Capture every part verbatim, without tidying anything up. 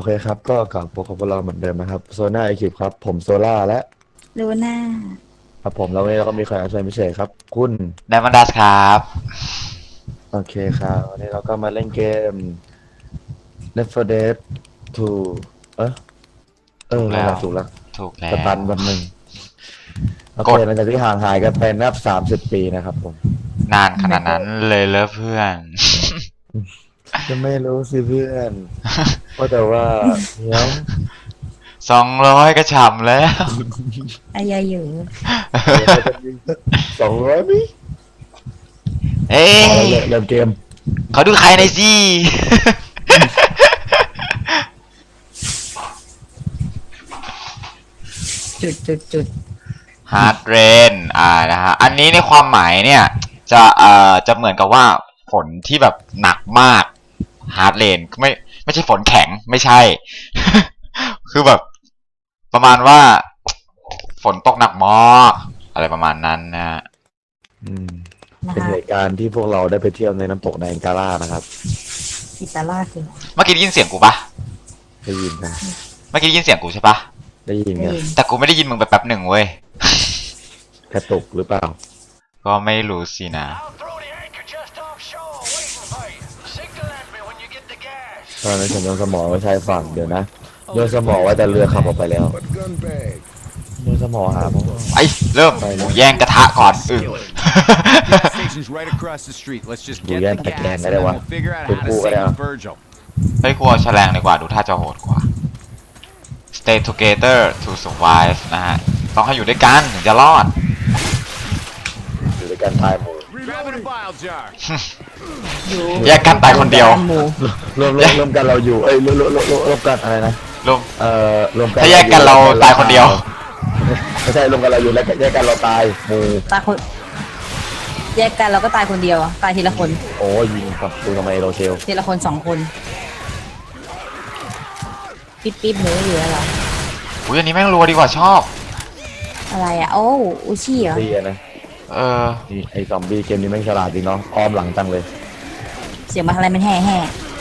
ครับก็กลับพบกับพวกเราเหมือนเดิมนะครับโซน่าไอคิวครับผมโซล่าและลูน่าครับผมแล้ววันนี้เราก็มีแขกรับเชิญพิเศษครับคุณไดมอนดัสครับโอเคครับวันนี้เราก็มาเล่นเกม Left โฟร์ Dead ทูเออเออนั่นแหละถูกแล้วถูกแล้สตันววันหนึ่งโอเคกดหลังจากที่ห่างหายกันไปนับสามสิบปีนะครับผมนานขนาดนั้นเลยเลอเพื่อนจะไม่รู้สิเพื่อนเพราะแต่ว่าเดี๋ยวสองร้อยก็ฉ่ำแล้วอายาอยู่สองร้อยมิเอ้ยเริ่มเกมเขาดูใครในอยสิจุดจุดจุดฮาร์ดเรนอ่านะฮะอันนี้ในความหมายเนี่ยจะเอ่อจะเหมือนกับว่าฝนที่แบบหนักมากฮาร์ดเรนไม่ไม่ใช่ฝนแข็งไม่ใช่ คือแบบประมาณว่าฝนตกหนักมากอะไรประมาณนั้นนะฮะอืมนะเป็นคะเหตุการณ์ที่พวกเราได้ไปเที่ยวในน้ำตกไนแองการ่านะครับอิตาล่าคือเมื่อกี้ได้ยินเสียงกูปะได้ยินนะเมื่อกี้ได้ยินเสียงกูใช่ปะได้ยินได้กันยินแต่กูไม่ได้ยินมึงไปแป๊บหนึ่งเว้ยกระตุกหรือเปล่าก็ไม่รู้สินะตอนนั้นฉันโยนสมองไว้ชายฝั่งเดี๋ยวนะโยนสมองไว้แต่เรือขับออกไปแล้วโยนสมองหาผมไอ้เริ่มกูแย่งกระทะก่อนอึ Station's right across the street. Let's just ดู get แย่ง the ตะแกรง gas ได้ and เล then ยวะ we'll figure out เป็น how กู to ก็ได้ save Virgil. เฮ้ยกูเอาแฉลงดีกว่าดูท่าจะโหดกว่า Stay together to survive นะฮะต้องให้อยู่ด้วยกันถึงจะรอดอยู่ด้วยกันตายหมู่ Grabbing a bile jar. อยู่แยกกันตายคนเดียวหมู่รวมรวมรวมกันเราอยู่เอ้ยรวมรวมรวมรวมรวมกันอะไรนะรวมเอ่อรวมกันถ้าแยกกันเราตายคนเดียวไม่ใช่รวมกันเราอยู่แล้วแยกกันเราตายหมู่ตายคนแยกกันเราก็ตายคนเดียวอะตายทีละคนโอ้ยยิงครับดูทำไมโรเชลทีละคนสองคนปิ๊บปิ๊บหนูอยู่แล้วเหรออุ้ยอันนี้แม่งรัวดีกว่าชอบอะไรอ่ะโอ้อุชี่เหรอดีนะเออนี่ไอ้ซอมบี้เกมนี้แม่งฉลาดจริงเนาะอ้อมหลังจังเลยเสียงมาอะไรมันแห่แห่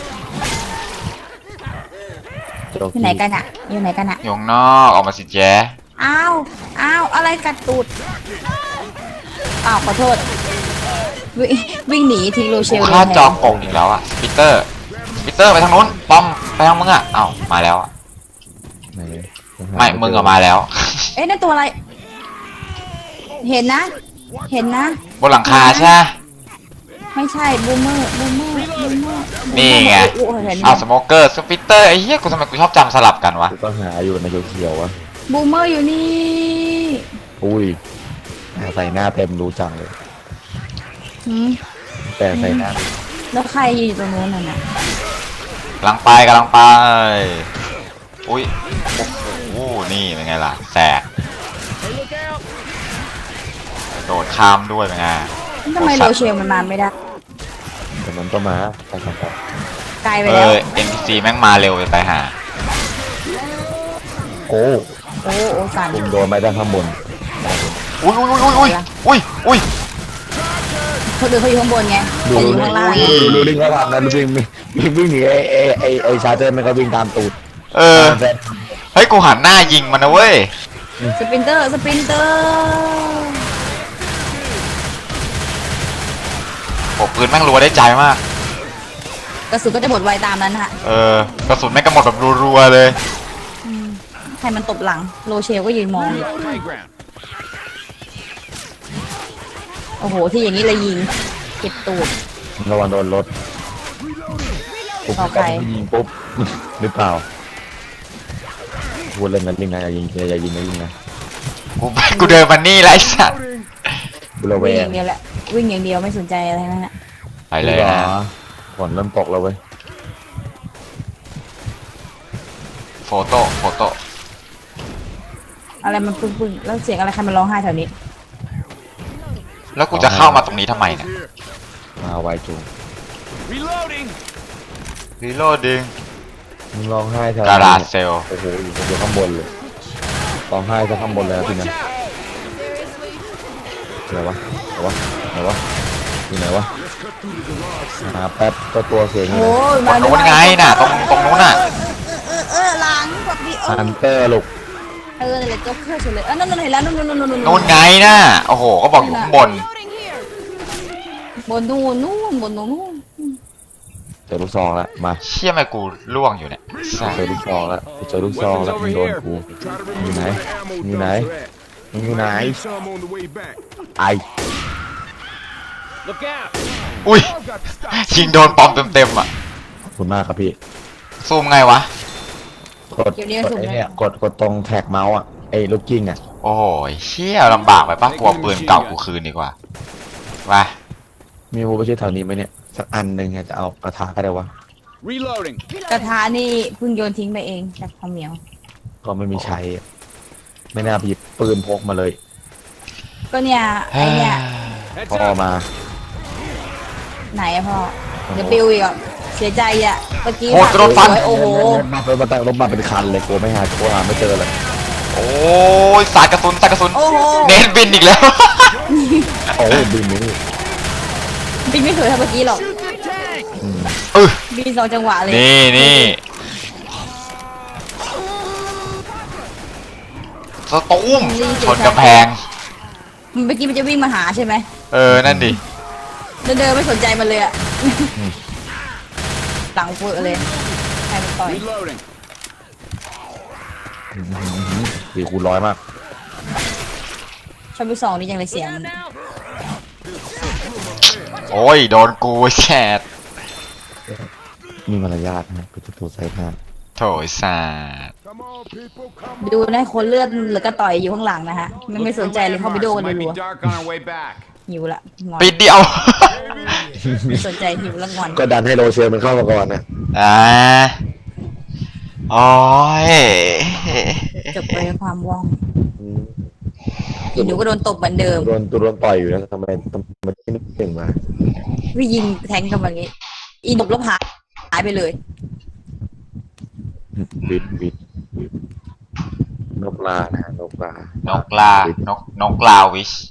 โจอยู่ไหนกันอ่ะอยู่ไหนกันอ่ะอยู่ข้างนอกออกมาสิแจ๊อ้าวอ้าวอะไรกัดตูดอ้าวขอโทษวิ่งวิ่งหนีทิ้งโรเชกูลฆ่าเลยจอกงอีกแล้วอ่ะปีเตอร์ปีเตอร์ไปทางนู้นปอมไปทางมึงอ่ะเอ้ามาแล้วอ่ะไหนไม่มึงอะมาแล้วเอ๊ะนั่นตัวอะไร เห็นนะ เห็นนะบนหลังคาใช่ไหมไม่ใช่บูมเมอร์บูมเมอร์บูมเมอร์นี่ไงโอ้โหเห็นไหมเอาสโมเกอร์สปิเตอร์ไอ้เหี้ยกูทำไมกูชอบจำสลับกันวะกูก็หาอยู่ในเขียวๆวะบูมเมอร์อยู่นี่อุ้ยใส่หน้าเต็มรู้จังเลยหืมแต่ใส่หน้าแล้วใครยืนอยู่ตรงนู้นน่ะนะกำลังไปกำลังไปอุ้ยโอ้โหนี่เป็นไงล่ะแสกโดดข้ามด้วยเป็นไงทำไมโรเชลมันมาไม่ได้แต่มันก็มาไปครับไกลไปเอแล้วอ เอ็น พี ซี แม่งมาเร็วไปไปหาโอ้โอ้โอ้สั่นยิงโดนไม้ด้านข้างบนอุ้ยอุ้ยอุ้ยอุ้ยอุ้ยอุ้ยคนอื่นเขาอยู่ข้างบนไงดูแต่อยู่ดูข้างล่างดูดูลิงเขาทำนะดูวิ่งวิ่งวิ่งหนีไอ้ไอ้ไอ้ไอ้ชาร์เจอร์มันก็วิ่งตามตูดเออเฮ้ยกูหันหน้ายิงมันนะเว้ยสปรินเตอร์สปรินเตอร์โอ้ปืนแม่งรัวได้ใจมากกระสุนก็จะหมดไวตามนั้นฮะเออกระสุนแม่งกระหมดแบบรัวๆเลยใครมันตบหลังโรเชลก็ยืนมองอยู่ Playground. โอ้โหที่อย่างนี้เลยยิงเก็บตูดระวังโดนรถปุ๊บต่อไปยิงปุ๊บหรือเปล่าพูดเล่นนั้นยิงนะอย่ายิงอย่ายิงนะยิงนะกูกูเดินมานี่แล้วไอ้สัสบุรเววิ่งอง ย่างเดียวแหละวิ่งอย่างเดียวไม่สนใจอะไรทั้งนั้นนะไปเลยนะฝนเริ่มตกแล้วเว้ยโฟโต้โฟโต้อะไรมันปึ้งๆแล้วเสียงอะไรใครมันร้องไห้แถวนี้แล้วกูจะเข้ามาตรงนี้ทำไมเนี่ยมาไวจูง Reloading. รีโหลดดึงมึงร้องไห้แถวการาเซลโอ้โหอยู่อยู่ข้างบนเลยร้องไห้จะข้างบนเลยนะพี่ Watch นะ out. ไหนวะไหนวะไหนวะอยู่ไหนวะหาแป๊บก็ตัวเสียงอยู่โอ้ไหนยตรงนู้นไงน่ะตรงตรงนู้นน่ะเออเออฮันเตอร์ลูกเออเลยจ็อกเกอร์เฉยเลยอ่ะนั่นนั่นเห็นแล้วนู่นนู่นนู่นนู่นนู่นไงน่ะโอ้โหก็บอกอยู่ข้างบนบนนู่นนู่นบนนู่นนู่นเจอลูกซองแล้วมาเชี่ยทำไมกูล่วงอยู่เนี่ยเจอลูกซองแล้วเจอลูกซอง Weapons แล้วมึ over งโดน here. กู Try to อยู่ remember ไหน where the ammo อยู่ไหน dumps are at. มึงอยู่ไหน Need some on the way back. ไอ Look out! อุ้ย I've got to stop. ยิงโดนปอมเต็มๆอ่ะขอบคุณมากครับพี่ซูมไงวะกดกดไอ้เนี่ยกดกดตรงแท็กเมาส์อ่ะไอ้ลูกกิ้งอ่ะโอ้ยเชี่ยลำบากไปปะกลัวปืนเก่ากูคืนดีกว่าไปมีมูไปช่วยแถวนี้ไหมเนี่ยสักอันหนึ่งอะจะเอากระถาก็ได้วะ Reloading. กระทะนี่เพิ่งโยนทิ้งไปเองจากความเหนียวก็ไม่มีใช้อะไม่น่าไปหยิบปืนพกมาเลยก็เนี่ยไอเนี่ย Heads พ่อ up. มาไหนอะพ่อเดี๋ยวปิวอีกอ่ะเสียใจอ่ะเมื่อกี้โหดกระโดดฟันโอ้โหรถมาเป็นมาตั้งรถมาเป็นคันเลยกูไม่หากูหาไม่เจอเลยโอ้ยสายกระสุนสายกระสุนโอ้โหเน้นบินอีกแล้วโอ้ยบินนี่บินไม่สวยเท่าเมื่อกี้หรอกเออบินสองจังหวะเลยนี่นี่สตูมชนกำแพงมันเมื่อกี้มันจะวิ่งมาหาใช่ไหมเออ นั่นดิเดินเดินไม่สนใจมันเลยอ่ะหลังเฟอะเลยใครมันต่อย Reloading. สี่คูณร้อยมากชอบไปสองนี่ยังเลยเสียงโอ้ย โดนกูแชดมีมารยาทนะกูจะถูกใส่หน้าโถยสาด Come on, people. Come ดูนะคนเลือดเหลือก็ต่อยอยู่ข้างหลังนะฮะมันไม่สนใจเลยเข้าไปโดน Might รั be ว dark on our way back. ๆหิวละงอนปิดเดียวไม่สนใจหิวละงอนก็ดันให้โรเชลมันเข้ามาก่อนนะอ่าโอ้ยจบไปด้วยความว่องอืมอีหนูก็โดนตบเหมือนเดิมโดนตัวโดนต่อยอยู่แล้วทำไมทำไมไม่นึกถึงมาพี่ยิงแทงกันแบบนี้ อีหนบลบหายหายไปเลยวิดวิดวิดนกลานะฮะนกลานกลานกนกลาวิช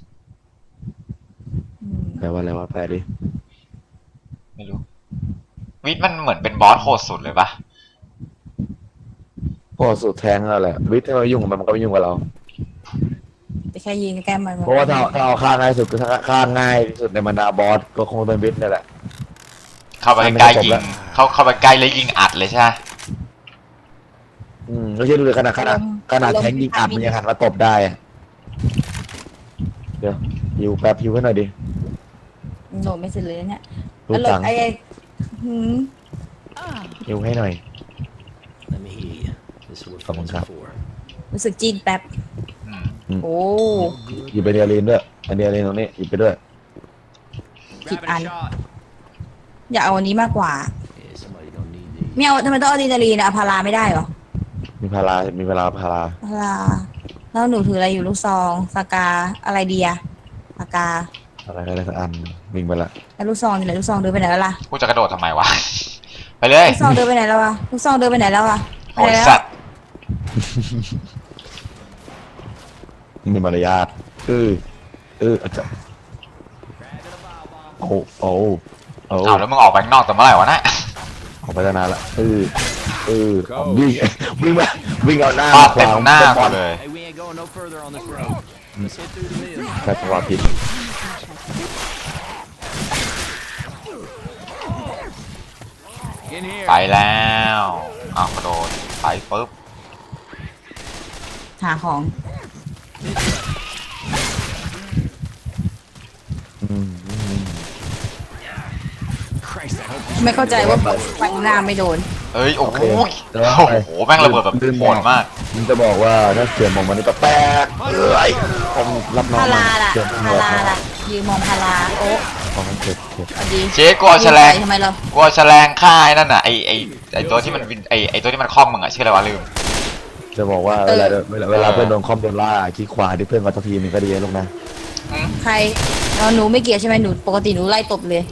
แปลว่าอะไรวะแปลดิไม่รู้ วิชมันเหมือนเป็นบอสโหดสุดเลยปะพอสุดแทงแล้วแหละวิทย์ถ้าเรายุ่งกับมันมันก็ไม่ยุ่งกับเราแต่แค่ยิงแก้มมันเพราะว่าถ้าถ้าเอาฆ่าง่ายสุดก็ฆ่าง่ายที่สุดในบรรดาบอสก็คงเป็นวิทย์นี่แหละเข้าไปใกล้ยิง เข้าเข้าไปใกล้แล้วยิงอัดเลยใช่ไหมอืมไม่ใช่ดูเลยขนาดขนาดขนาดแทงยิงอัดมันยังหันมาตบได้อะเดี๋ยวฮิวแป๊บฮิวให้หน่อยดิโดนไม่เสร็จเลยเนี่ยรู้แล้วจังไอ้หืมฮิวให้หน่อย Let me hear you. This is what Come on, phones Cap. are for. รู้สึกจีนแป๊บอืม Mm. โอ้หยิบไปเดียรีนด้วยอันเดียรีนตรงนี้หยิบไปด้วย Grabbing a ăn. shot. อยากเอาอันนี้มากกว่า Yeah, somebody don't need these. ไม่เอาทำไมต้องเอาอะดรีนาลีนอะอะพาราไม่ได้เหรอมีพารา มีเวลาพาราพาราแล้วหนูถืออะไรอยู่ลูกซองสกาอะไรดีอะปากกาอะไรอะไรสักอันวิ่งไปละแล้วลูกซองอยู่ไหนลูกซองเดินไปไหนแล้วล่ะกูจะกระโดดทำไมวะ ไปเลยลูกซองเดินไปไหนแล้วอะลูกซองเดินไปไหนแล้วอะไปโอ้ยแล้วสัตว์มีมารยาทเออเอออาจจะโอ้โอ้โอ้เอาแล้วมึงออกไปข้างนอกแต่เมื่อไหร่วะนะออกไปตั้งนานละเออเออวิ่งวิ่งมาวิ่งเอาหน้าฟาดเต็มหน้ากูเลย Hey, we ain't going no further on this road. Let's hit through the mill. ใช้จังหวะผิด In here. ไปแล้วอ้าวกระโดดไปปุ๊บหาของอืมอืม Christ, I hope ไม่เข้าใจว่าฟังหน้าไม่โดนเอ้ย โอ้โหโอเคเดี๋ยวโอ้ไปโห แม่งระเบิดแบบโหดมากมันจะบอกว่าถ้าเสียงของมันนี่ก็แป๊กเอ้ยผมรับน้องพาราล่ะเสียงพาราล่ะยืนมองพาราโอ้ของมันเจ็บเจ็บพอดีเจ๊กูเอาแฉลงทำไมเรากูเอาแฉลงฆ่าไอ้นั่นน่ะไอไอไอตัวที่มันวินไอไอตัวที่มันคล่อมมึงอะชื่ออะไรวะลืมจะบอกว่าเวลาเวลาเวลาเพื่อนโดนคอมโดนล่าขี้ขวาที่เพื่อนมาทักทีมันก็ดีนะลูกนะใครเราหนูไม่เกี่ยวใช่ไหมหนูปกติหนูไล่ตบเลย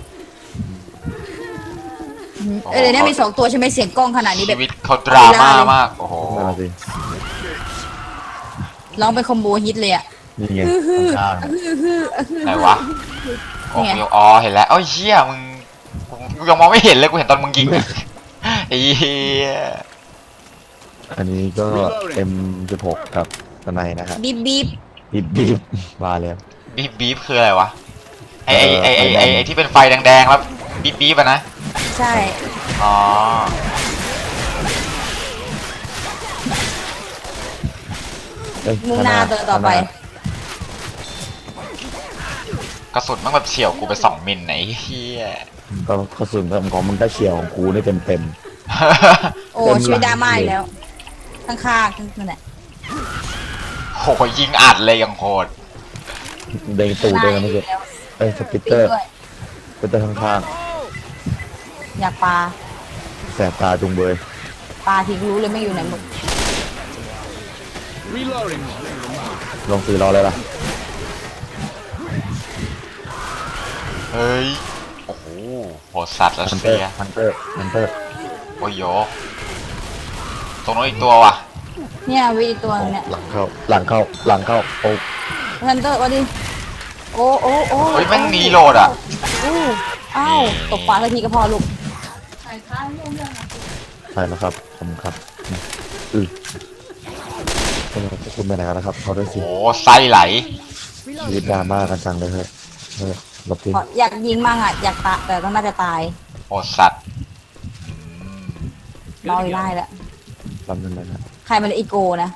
อืมเออเดี๋ยวนี้มีสองตัวใช่ไหมเสียงกล้องขนาดนี้แบชีบวิตเขาดราม่ามาก โอ้โหนั่นแหละสิร้องเป็นคอมโบฮิตเลยอ่ะนี่ไงข้างๆไหนวะโอ้โหอ๋อ เห็นแล้ว เอ้ยเชี่ยมึงกูยังมองไม่เห็นเลย กูเห็นตอนมึงยิง ไอ้เหี้ยอันนี้ก็ เอ็ม สิบหก กับสไนนะฮะบีบบีบบีบบีบมาแล้วบีบบีบคืออะไรวะไอไอไอไอเออไอไอที่เป็นไฟแดงๆแล้วบีบบีบอะนะใช่อ๋อเอ้ยมุ่งหน้าตัวต่อไปกระสุนมันแบบเฉียวกูไปสองมิลไหนเฮียก็กระสุนของมึงก็เฉียวของกูนี่เต็มเต็มโอ้เต็มหลังชีวิตดราม่าอีกแล้ว ข้างๆนั่นแหละโหยิงอัดเลยยังโหดเด้งตูดเด้งกันไม่เสร็จเอ้ยสปิตเตอร์สปิตเตอร์ข้างอยากปลาๆแสบตาจุงเบยปลาที่รู้เลยไม่อยู่ไหนหมด Reloading. ลงตีรอเลยล่ะเฮ้ย โอ้โหโหดสัตว์รัสฮันเตอเซีร์ยฮันเตอร์ฮันเตอร์โอ้ยโยตรงนู้นอีกตัวว่ะเนี่ยวิตัวนึงเนี่ยหลังเข้าหลังเข้าหลังเข้าโอ้ฮันเตอร์ว่าดิโอ้โอ้โอ้เฮ้ยแม่งหนีโหลดอ่ะอู้อ้าวตกปลาสักทีก็พอลูกใช่แล้วครับผมครับอือคุณไปไหนกันนะครับเขาด้วยสิโอ้ไส้ไหลชีวิตดราม่ากันจังเลยเฮ้ยเฮ้ยหลบทีขออยากยิงมั่งอ่ะอยากตายแต่ต้องน่าจะตายโหดสัตว์รออยู่ได้แล้วลำนึงเลยนะใครมันอีโก้นะ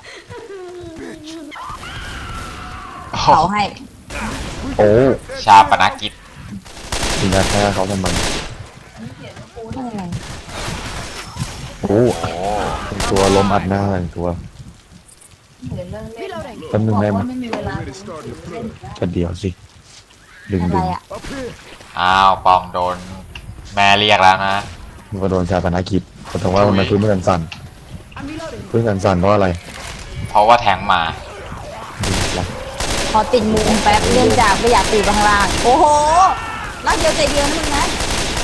โอ้เผาให้โอ้ชาปนกิจถึงจะแค่เขาทำไมนั่นอะไรโอ้โอ้เป็นตัวล้มอัดหน้าหนึ่งตัวแป๊บนึงได้ไหมแค่เดียวสิดึงอะไรดึงอ่ะอ้าวปองโดนแม่เรียกแล้วนะมันก็โดนชาปนกิจแต่ว่ามันพื้นมันสั่นพื้นสั่นๆเพราะอะไรเพราะว่าแทงมาขอติดมุมแป๊บเนื่องจากไม่อยากตีไปข้างล่างโอ้โหรักเดียวใจเดียวนะมึงนะ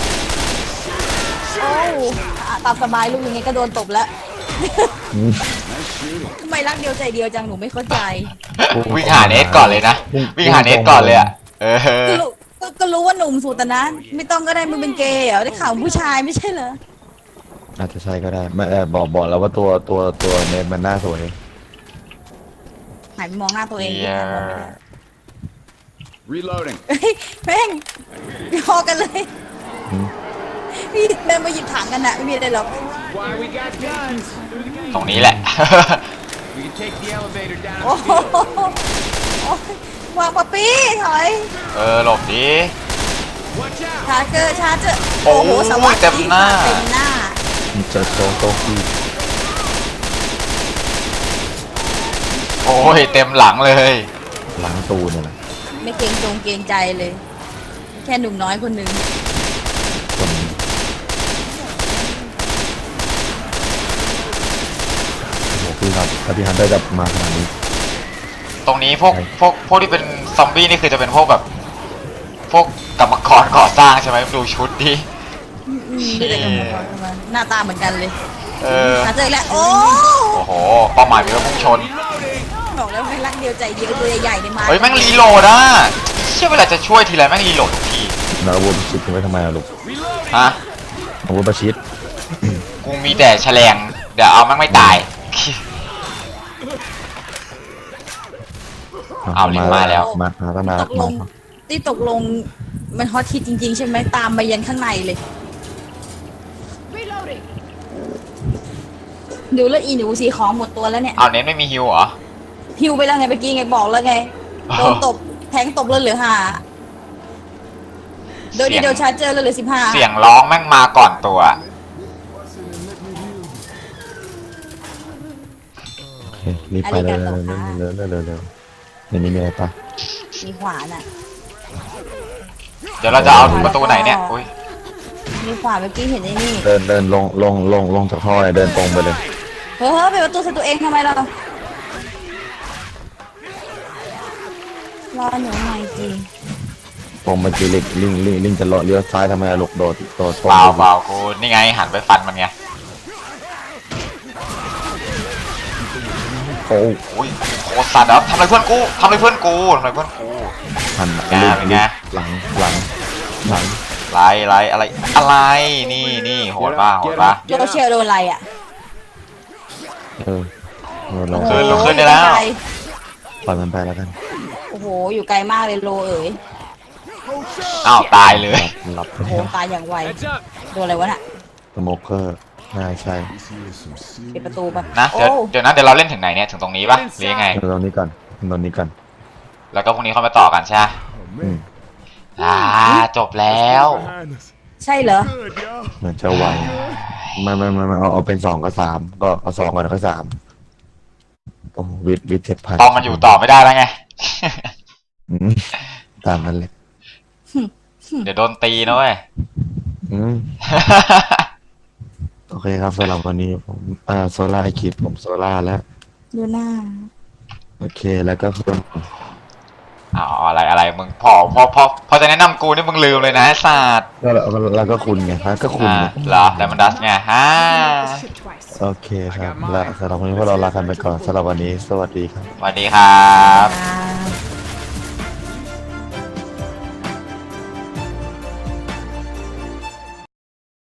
โอ้อ่ะตามสบายลูกอย่างงี้ก็โดนตบแล้วอืมทำไมรักเดียวใจเดียวจังหนูไม่เข้าใจวิ่งหาเนสก่อนเลยนะ วิ่งหาเนสก่อนเลยอ่ะ เออก็รู้ก็ก็รู้ว่าหนุ่มสุดแต่นะไม่ต้องก็ได้มึงเป็นเกย์เหรอได้ข่าวผู้ชายไม่ใช่เหรออาจจะใช่ก็ได้ไม่เออบอกบอกแล้วว่าตัวตัวตัวเนมมันหน้าสวยหันไปมองหน้าตัวเองเหี้ย Reloading. เฮ้ยแม่งพอกันเลยอืมพี่เดินมาหยิบถังกันนะไม่มีอะไรหรอก Why we got guns? ตรงนี้แหละ We can take the elevator down. โอ้โหโอ้ยวางปะปี้ถอยเออหลบดิ Watch out. ชาร์เจอร์ชาร์เจอร์โอ้โอ้โหโหสวัสดีเต็มหน้าเต็มหน้ามันเจอโตโตกี้โอ้ยเต็มหลังเลยหลังตูเนี่ยแหละไม่เกรงจงเกรงใจเลย แค่หนุ่มน้อยคนหนึ่งคนโอ้โหพี่ครับถ้าพี่ฮันได้จับมาขนาดนี้ตรงนี้พวกใช่พวกพวกที่เป็นซอมบี้นี่คือจะเป็นพวกแบบ พวกกรรมกรก่อสร้างใช่ไหมดูชุดดิอืมดูแต่กับหมอมาหน้าตาเหมือนกันเลยเออชาร์เจอร์อีกแล้วโอ้โอ้โหเป้าหมายมีว่าพุ่งชนบอกแล้วไม่รักเดียวใจเดียวตัวใหญ่ๆเนี่ยมาเฮ้ยแม่งรีโหลดอ่ะเชื่อเวลาจะช่วยทีไรแม่งรีโหลดทุกทีแล้วอาวุธประชิดทิ้งไว้ทำไมอะลูกฮะอาวุธประชิดกูมีแต่แฉลงเดี๋ยวเอาแม่งไม่ตาย เอาลิงก์มาแล้วมามาตั้งนานตกลงที่ตกลงมันฮอตฮิตจริง ๆ ใช่ไหมตามมายันข้างในเลยดูแล้วอีหนูสีของหมดตัวแล้วเนี่ยเอาเน้นไม่มีฮิวเหรอฮิวไปแล้วไงเมื่อกี้ไงบอกแล้วไงโดนตบแทงตบแล้วเหลือห้าโดยที่เสียงโดนชาร์เจอร์แล้วเหลือสิบห้าเสียงร้องแม่งมาก่อนตัวโอเครีบไปเลยเร็วเร็วเร็วเร็วเร็วเร็วในนี้มีอะไรปะมีขวานอ่ะเดี๋ยวเราจะเอาประตูไหนเนี่ยอุ้ยมีขวานเมื่อกี้เห็นไอ้นี่เดินเดินลงลงลงลงจากท่อเลยเดินตรงไปเลยเฮ้ยไปดประตูใส่ตัวเองทำไมเรารอหนูหน่อยจีตรงไปจีลิกลิงลิงลิงจะเลาะเลี้ยวซ้ายทำไมอะลูกโดดโดดตรงเปล่าไปเปล่ากูนี่ไงหันไปฟันมันไงโอ้อุ้ยโคตรสัตว์แล้วทำอะไรเพื่อนกูทำอะไรเพื่อนกูทำอะไรเพื่อนกูหันเป็นไงลิงเป็นไงหลังหลังหลังไรไรอะไรอะไรนี่นี่โหดป่ะโหดป่ะโรเชลโดนอะไรอ่ะเออโดนเราโอ้โหขึ้นลุกขึ้นได้แล้วอยู่ไกปล่อยมันไปแล้วกันโอ้โห อยู่ไกลมากเลยโลเอ๋ยอ้าวตายเลยหลับไปโอ้โหแล้วตายอย่างไว Heads up. โดนอะไรวะน่ะสโมเกอร์น่าใช่ปิดประตูปะนะโอ้เดี๋ยวเดี๋ยวนะเดี๋ยวเราเล่นถึงไหนเนี่ยถึงตรงนี้ปะหรือยังไงตอนนี้ก่อนตอนนี้ก่อนแล้วก็พรุ่งนี้ค่อยมาต่อกันใช่ไหมอืมอ่าจบแล้วใช่เหรอเหมือนจะไวไม่ไม่ไม่ไม่เอาเอาเป็นสองกับสามก็เอาสองก่อนแล้วก็สามโอ้วิทวิทเจ็ดพันตองมันอยู่ต่อไม่ได้แล้วไงอืมตามนั้นเลยเดี๋ยวโดนตีนะเว้ยอืมโอเคครับสำหรับวันนี้ผมอ่าโซล่าไอคิดผมโซล่าแล้วดูหน้าโอเคแล้วก็คุณอ๋ออะไรอะไรมึงพอพอพอพอจะแนะนำกูนี่มึงลืมเลยนะไอ้สัตว์ก็แล้วแล้วก็คุณไงฮะก็คุณอ่าไงเหรอแต่มันดัสไงฮ่าโอเคครับแล้วสำหรับวันนี้พวกเราลากันไปก่อนสำหรับวันนี้สวัสดีครับสวัสดีครับอ่า